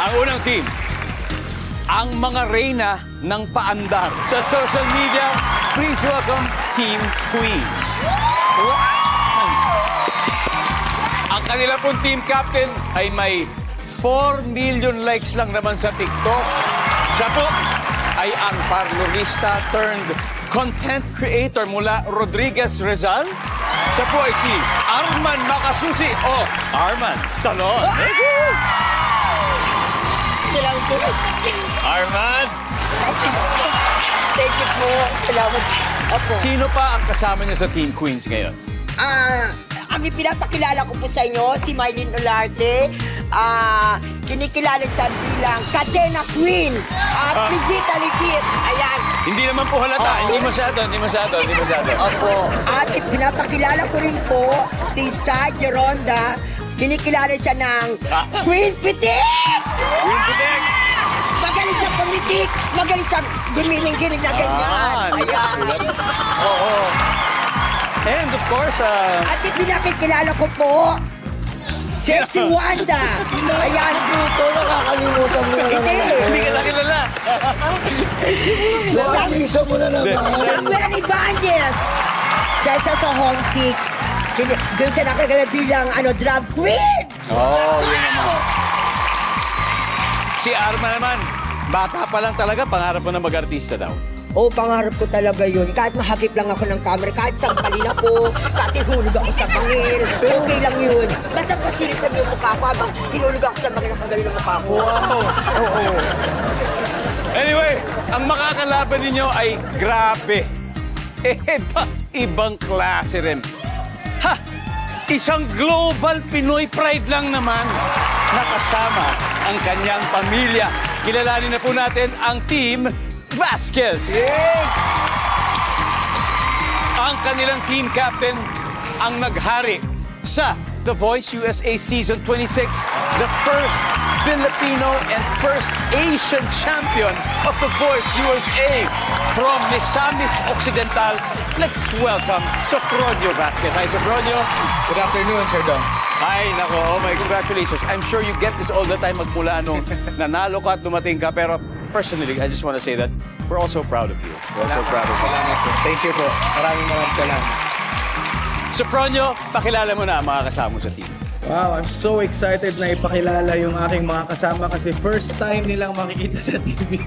Ang unang team, ang mga reyna ng paandar. Sa social media, please welcome Team Queens. Ang kanila pong team captain ay may 4 million likes lang naman sa TikTok. Siya po ay ang parlorista turned content creator mula Rodriguez Rizal. Siya po ay si Arman Makasusi o Arman Salon. Salamat po. Arman! Thank you po. Salamat. Opo. Sino pa ang kasama niya sa Team Queens ngayon? Ang ipinapakilala ko po sa inyo, si Mylene Olarte. Kinikilala siya bilang Cadena Queen. Brigita Ligit. Ayan. Hindi naman po halata. Hindi masyado. Opo. At pinapakilala ko rin po si Sa Geronda. Kinikilala siya ng Queen Pitik! Queen Pitik! Magaling sa pumitik, magaling sa gumiling-giling na ganyan. Ayan. Oo. And of course, At pinakikilala ko po, Sexy Wanda. Ayan. Ito, nakakalimutan mo na naman. hindi ka lang kilala. Nakakisa mo na naman. Samuel Ibanez. Sesa sa homesick. Doon siya nakikilala bilang drag queen. Oh, yun naman. Si Arma naman, bata pa lang talaga, pangarap mo na mag-artista daw. Oo, pangarap ko talaga yun. Kahit mahagip lang ako ng camera, kahit sampalin ako, kahit ihulog ako sa bangil. Okay lang yun. Basta pasilip ko yung mukha ko habang hinulog ako sa bangil ang pagaling ng mukha ko. Wow! Oo. Anyway, ang makakalaban ninyo ay grabe. Ibang klase rin. Ha! Isang global Pinoy pride lang naman nakasama ang kanyang pamilya. Kilalanin na po natin ang Team Vasquez. Yes! Ang kanilang team captain ang naghari sa The Voice USA Season 26, the first Filipino and first Asian champion of The Voice USA. From Misamis Occidental, let's welcome Sofronio Vasquez. Hi, Sofronio. Good afternoon, Sir Dong. Hi, nako. Oh my, congratulations. I'm sure you get this all the time magmula nung nanalo ka at dumating ka. Pero personally, I just want to say that we're also proud of you. We're also proud of you. Salamat po. Thank you po. Maraming salamat. Sofronio, pakilala mo na ang mga kasama mo sa team. Wow, I'm so excited na ipakilala yung aking mga kasama kasi first time nilang makikita sa TV.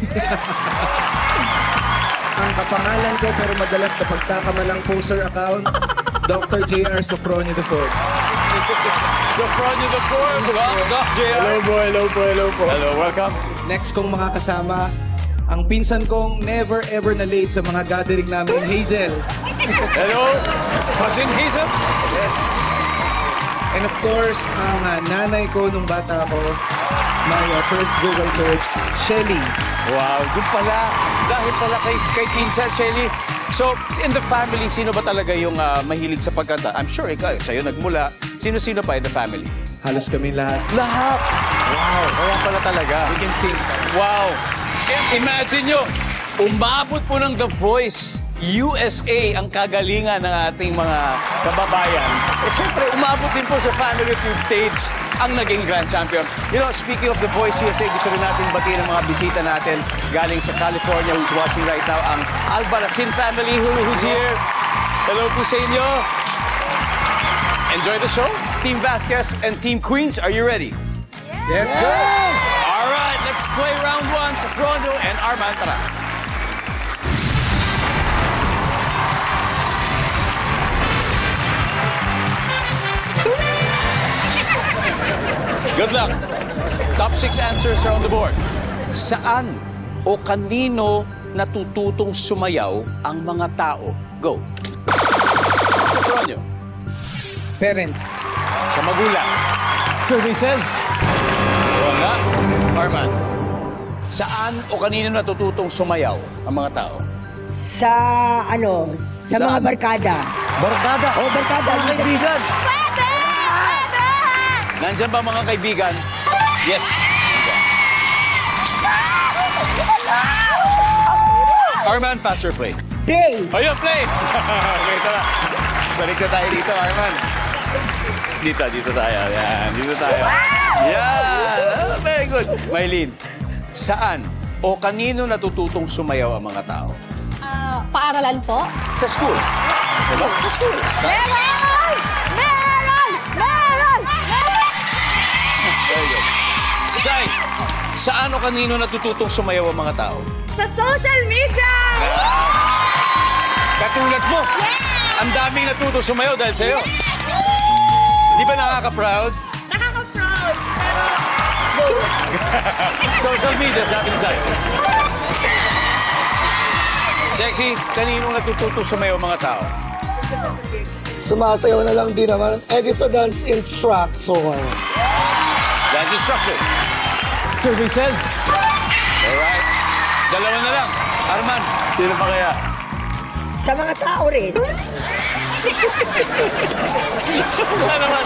Ang kapangalan ko pero madalas na pagkakamalang poster account, Dr. J.R. Sofronio IV. Sofronio the Fourth. Doc JR. Hello po. Hello, welcome. Next kong mga kasama, ang pinsan kong never ever na late sa mga gathering namin, Hazel. Hello, Cousin Hazel. Yes. And of course, ang nanay ko nung bata ako, my first vocal coach, Shelly. Wow, doon pala. Dahil pala kay Pinsan, Shelly. So, in the family, sino ba talaga yung mahilig sa pagkanta? I'm sure ikaw, sa'yo nagmula. Sino-sino pa in the family? Halos kami lahat. Lahat. Wow, kaya pala talaga. We can sing. Wow. Imagine nyo, umabot po ng The Voice USA ang kagalingan ng ating mga kababayan. Siyempre, umabot din po sa Family Feud stage ang naging Grand Champion. You know, speaking of The Voice USA, gusto rin natin batiin ang mga bisita natin galing sa California who's watching right now, ang Albarracin family who's here. Hello po sa inyo. Enjoy the show. Team Vasquez and Team Queens, are you ready? Yes, go! All right, let's play round one. Sofronio and Arman, tara. Good luck. Top 6 answers are on the board. Saan o kanino natututong sumayaw ang mga tao? Go. Sofronio. Parents. Sa magulang. Services. Wala. Arman. Saan o kanino natututong sumayaw ang mga tao? Sa mga barkada. Barkada. Oh, barkada. Mga kaibigan. Nandyan ba mga kaibigan? Yes. Arman, pass or play? Play. Ayun, play! Okay, tara. Balik na tayo dito, Arman. Dito tayo. Yan, dito tayo. Yan! Very good. Maylene, saan o kanino natututong sumayaw ang mga tao? Paaralan po? Sa school. Diba? Sa school. Meron! Meron! Meron! Meron! Very good. Isay, saan o kanino natututong sumayaw ang mga tao? Sa social media! Katulad mo. Ang daming natutong sumayaw dahil sa'yo. Di ba nakaka-proud? Nakaka-proud! Social media, sabi ni Sai. Sexy, kanino natututong sumayaw ang mga tao? Sumasayaw na lang din naman. Eh, sa dance instructor. Dance instructor. Survey says, Alright. Dalawa na lang. Arman, sino pa kaya? Sa mga tao rin. Wala naman.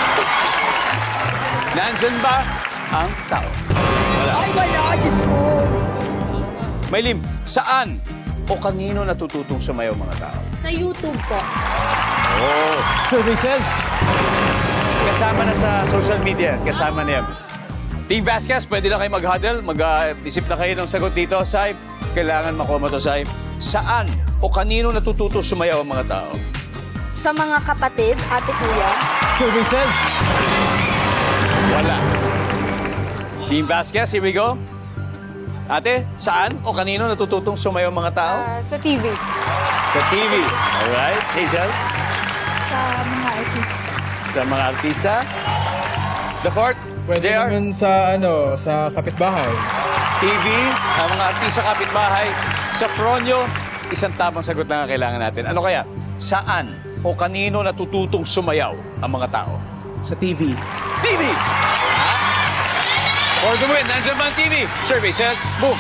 Nandyan ba ang tao? Ay, wala, Diyos ko. Maylim, saan o kanino natututong sumayaw mga tao? Sa YouTube po. Oh. survey says, Kasama na sa social media. Kasama na yan. Team Vasquez, pwede na kayo mag-huddle. Mag-isip na kayo ng sagot dito, Sai. Kailangan makuha mo to, Sai. Saan o kanino natututong sumayaw ang mga tao? Sa mga kapatid, ate kuya. survey says, Wala. Team Vasquez, here we go. Ate, saan o kanino natututong sumayaw ang mga tao? Sa TV. Sa TV. Alright. Hazel? Sa mga artista. Sa mga artista? The fourth? pwede JR? naman sa kapitbahay. TV, ang mga artista kapitbahay. Sa Fronyo, isang tamang sagot na ang kailangan natin. Ano kaya? Saan o kanino natututong sumayaw ang mga tao? Sa TV. TV! Ha? For the win, nandiyan ba ang TV? Survey said, boom!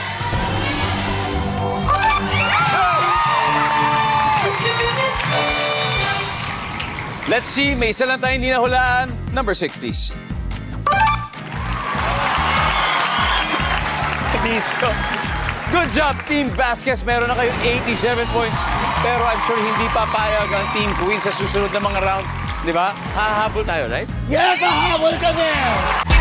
Let's see, may isa lang tayo hindi nahulaan. Number 6, please. Disco. Good job, Team Vasquez. Meron na kayong 87 points. Pero I'm sure hindi papayag ang Team Queen sa susunod na mga round. Di ba? Hahabol tayo, right? Yes, kahabol kami!